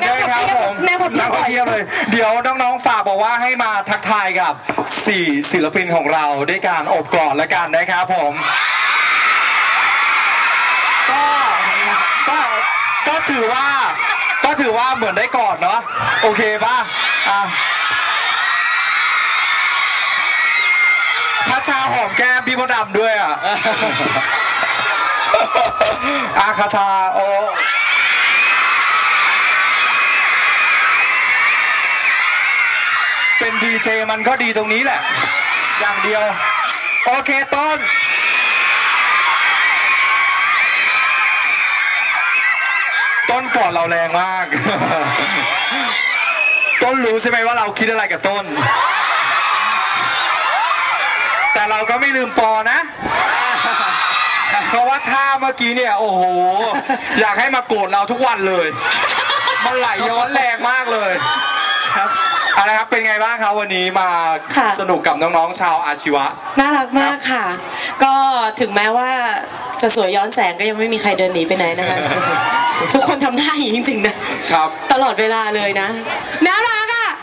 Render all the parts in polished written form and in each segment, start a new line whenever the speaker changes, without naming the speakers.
ได้ครับผมนักเทียบเลยเดี๋ยวน้องๆฝากบอกว่าให้มาทักทายกับ4ศิลปินของเราด้วยการโอบกอดแล้วกันนะครับผมก็ถือว่าเหมือนได้กอดเนาะโอเคป่ะพัชชาหอมแก้มพี่มดดำด้วยคาชาโอเป็นดีเจมันก็ดีตรงนี้แหละอย่างเดียวโอเคต้นกอดเราแรงมากต้นรู้ใช่ไหมว่าเราคิดอะไรกับต้นแต่เราก็ไม่ลืมปอนะเพราะว่าท่าเมื่อกี้เนี่ยโอ้โหอยากให้มาโกรธเราทุกวันเลยมันไหลย้อนแรงมากเลยครับอะไรครับเป็นไงบ้างครับวันนี้มาสนุกกับน้องๆชาวอาชีวะ
น่ารักมากค่ะก็ถึงแม้ว่าจะสวยย้อนแสงก็ยังไม่มีใครเดินหนีไปไหนนะคะทุกคนทำได้จริงๆนะครับตลอดเวลาเลยนะน่ารักอ่ะ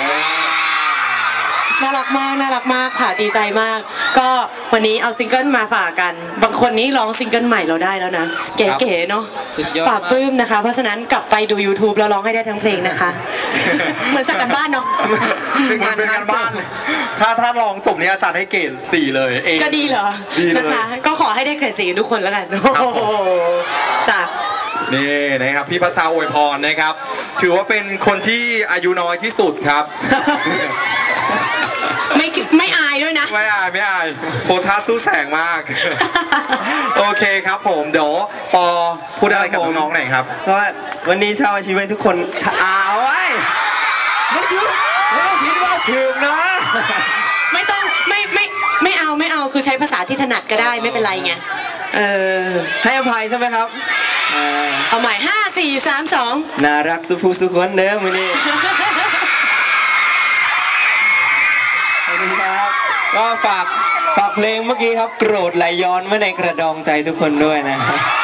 น่ารักมากค่ะดีใจมากก็วันนี้เอาซิงเกิลมาฝากกันบางคนนี้ร้องซิงเกิลใหม่เราได้แล้วนะเก๋ๆเนาะปราบปลื้มนะคะเพราะฉะนั้นกลับไปดู YouTube แล้วร้องให้ได้ทั้งเพลงนะคะเหมือนสักกันบ้านเนาะ
เป็นงานบ้านถ้าลองจบนี้อาจารย์ให้เกรด4เลย
จะดีเหรอนะคะก็ขอให้ได้เกรด4ทุกคนแล้วกันจ้ะ
นี่นะครับพี่พัชชาอวยพรนะครับถือว่าเป็นคนที่อายุน้อยที่สุดครับ
ไม่อายด้วยนะ
ไม่อายโพธาสู้แสงมากโอเคครับผมเดี๋ยวปอพูดอะไรกับน้องๆหน่อยครับ
เพราะว่าวันนี้ชาวอาชีวะทุกคนไว้มันคือว่าผิดว่าถึงนะ
ไม่ต้องไม่เอาคือใช้ภาษาที่ถนัดก็ได้ไม่เป็นไรไง
ให้อภัยใช่ไหมครับ
เอาใหม่5 4 3 2
น่ารักสุภูสุคนเด้อมื้อนี้ขอบคุณครับก็ฝากเพลงเมื่อกี้ครับโกรธไหลย้อนไว้ในกระดองใจทุกคนด้วยนะครับ